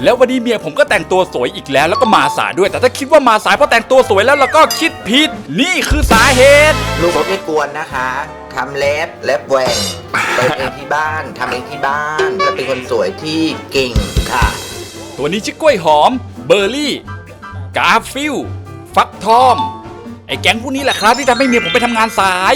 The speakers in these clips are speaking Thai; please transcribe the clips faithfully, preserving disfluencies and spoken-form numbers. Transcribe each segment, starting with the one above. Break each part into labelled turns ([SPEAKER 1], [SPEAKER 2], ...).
[SPEAKER 1] แล้ววันนี้เมียผมก็แต่งตัวสวยอีกแล้วแล้วก็มาสายด้วยแต่ถ้าคิดว่ามาสายเพราะแต่งตัวสวยแล้วเราก็คิดผิดนี่คือสาเหตุ
[SPEAKER 2] ลูกรถไม่กวนนะคะทำเล็บเล็บแหว่งเปิดเองที่บ้านทำเองที่บ้านและเป็นคนสวยที่เก่งค่ะ
[SPEAKER 1] ตัวนี้ชื่อกล้วยหอมเบอร์รี่ กาฟิลฟักทองไอ้แก๊งพวกนี้แหละครับที่ทำให้เมียผมไปทำงานสาย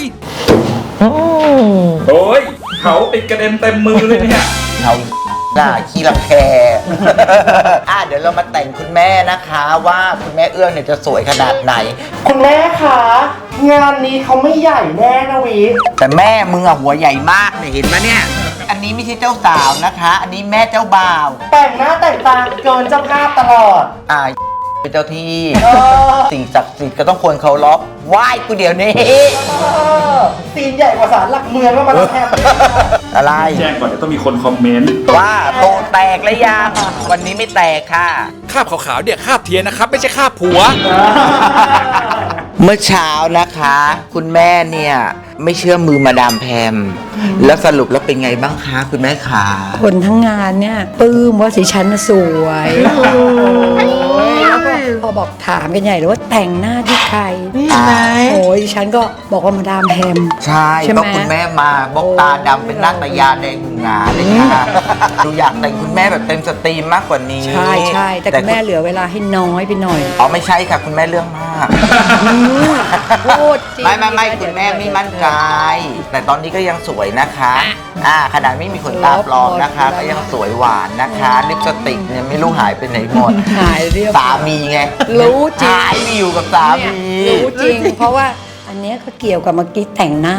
[SPEAKER 1] โอ้ยเขาติดกระเด็นเต็มมือเลยเนี่ย
[SPEAKER 2] เอาหน้าขี้รังแค อ่ะเดี๋ยวเรามาแต่งคุณแม่นะคะว่าคุณแม่เอื้องเนี่ยจะสวยขนาดไหน
[SPEAKER 3] คุณแม่คะงานนี้เขาไม่ใหญ่แน่นะวิ
[SPEAKER 2] แต่แม่มึงอะหัวใหญ่มากเนี่ยเห็นไหมเนี่ย อันนี้ไม่ใช่เจ้าสาวนะคะ อันนี้แม่เจ้าบ่าว
[SPEAKER 3] แต่งหน้าแต่งตาเกินเจ้าภาพตลอด
[SPEAKER 2] อ่าเป็นเจ้าที่
[SPEAKER 3] เออ
[SPEAKER 2] สิ่งศักดิ์สิทธิ์ก็ต้องควรเคารพไหว้กูเดี๋ยวนี้
[SPEAKER 3] เออตีนใหญ่กว่าศาลหลักเมืองแล้วมาแล้วแทบ
[SPEAKER 2] อะไร
[SPEAKER 1] แจ้งก่อนเดี๋ยวต้องมีคนคอมเมนต์
[SPEAKER 2] ว่าโตแตกแล้วยังวันนี้ไม่แตกค่ะ
[SPEAKER 1] คาบขาวๆเนี่ยคาบเทียนนะครับไม่ใช่คาบผัว
[SPEAKER 2] เมื่อเช้านะคะ คุณแม่เนี่ยไม่เชื่อมือมาดามแพมแล้วสรุปแล้วเป็นไงบ้างคะคุณแม่ขา
[SPEAKER 4] คนทั้งงานเนี่ยปลื้มว่าสิฉันน่ะสวยแล้วก็พอบอกถามกันใหญ่เลยว่าแต่งหน้าที่ใคร
[SPEAKER 2] อ่า
[SPEAKER 4] โอ้ยดิฉันก็บอกว่ามาดามแพม
[SPEAKER 2] ใช่
[SPEAKER 4] ใช่ไหม
[SPEAKER 2] เพราะคุณแม่มาบอกตาดำเป็นนาตยาแดงหงาเลยค่ะดูอยากแต่งคุณแม่แบบเต็มสตรีมมากกว่านี้
[SPEAKER 4] ใช่ใช่แต่คุณแม่เหลือเวลาให้น้อยไปหน่อย
[SPEAKER 2] อ๋อไม่ใช่ค่ะคุณแม่เรื่องมาก
[SPEAKER 4] พูดจริง
[SPEAKER 2] ไม่ไม่ไม่คุณแม่ไม่มั่นใจ แต่ตอนนี้ก็ยังสวยนะคะอ่าขนาดไม่มีขนตาปลอมนะคะ ก็ยังสวยหวานนะคะลิปสติกเนี่ยไม่รู้หายไปไหนหมด
[SPEAKER 4] หายเรียบ
[SPEAKER 2] สามีไง
[SPEAKER 4] รู้จริง
[SPEAKER 2] หายไปอยู่กับสา
[SPEAKER 4] เนี่ย
[SPEAKER 2] มี
[SPEAKER 4] รู้จริง เพราะว่าอันเนี้ยก็เกี่ยวกับเมื่อกี้แต่งหน้า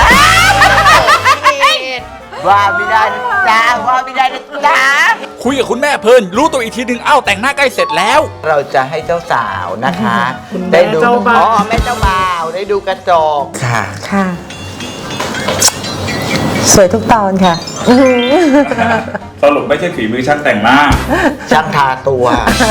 [SPEAKER 2] ว่าไม่ได้นะจ๊ะว่าไม่ได้นะจ๊ะ
[SPEAKER 1] คุยกับคุณแม่เพลินรู้ตัวอีกทีหนึ่งเอ้าแต่งหน้าใกล้เสร็จแล้ว
[SPEAKER 2] เราจะให้เจ้าสาวนะคะ
[SPEAKER 3] คุณแม่
[SPEAKER 2] ได้ดู
[SPEAKER 3] เจ้าบ่าว
[SPEAKER 2] อ๋อแม่เจ้าบ่าวได้ดูกระจกค่ะ
[SPEAKER 5] ค่ะ สวยทุกตอนค่ะ
[SPEAKER 1] สรุปไม่ใช่ฝีมือช่างแต่งหน้า
[SPEAKER 2] ช่างทาตัว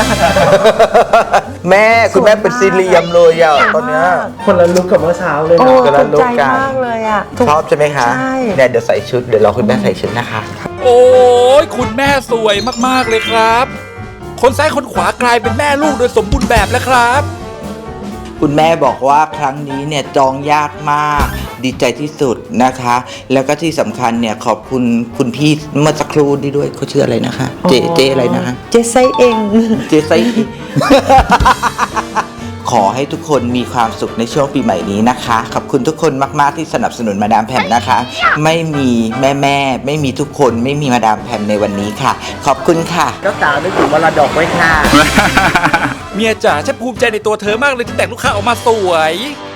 [SPEAKER 2] แม่คุณแม่เป็นซีเรียมเลยอ่ะตอนเนี้ย
[SPEAKER 3] คนละลุกกับเมื่อเช้าเลย
[SPEAKER 5] โอ้
[SPEAKER 3] นะ
[SPEAKER 2] กำลั
[SPEAKER 5] ถู
[SPEAKER 2] ง
[SPEAKER 5] ก
[SPEAKER 2] ลุก
[SPEAKER 5] ใจ
[SPEAKER 2] กัน
[SPEAKER 5] มากเลยอ่ะถูก
[SPEAKER 2] ชอบใช่ไหมคะ
[SPEAKER 5] ใช่
[SPEAKER 2] เนี่ยเดี๋ยวใส่ชุดเดี๋ยวรอคุณแม่ใส่ชุดนะคะ
[SPEAKER 1] โอ้ยคุณแม่สวยมากๆเลยครับ คนซ้ายคนขวากลายเป็นแม่ลูกโดยสมบูรณ์แบบแล้วครับ
[SPEAKER 2] คุณแม่บอกว่าครั้งนี้เนี่ยจองยากมากดีใจที่สุดนะคะ แล้วก็ที่สำคัญเนี่ยขอบคุณคุณพี่เมื่อสักครู่นี้ด้วยเขาชื่ออะไรนะคะ เจเจอะไรนะคะ
[SPEAKER 5] เจไซเอง
[SPEAKER 2] เจไซ ขอให้ทุกคนมีความสุขในช่วงปีใหม่นี้นะคะ ขอบคุณทุกคนมากๆที่สนับสนุนมาดามแพมนะคะ ไม่มีแม่แม่ๆไม่มีทุกคนไม่มีมาดามแพมในวันนี้ค่ะ ขอบคุณค่ะเจ้าสาวนึกถึงมรดกไว้ค่ะ
[SPEAKER 1] เมียจ๋าฉันภูมิใจในตัวเธอมากเลยที่แต่งลูกค้าออกมาสวย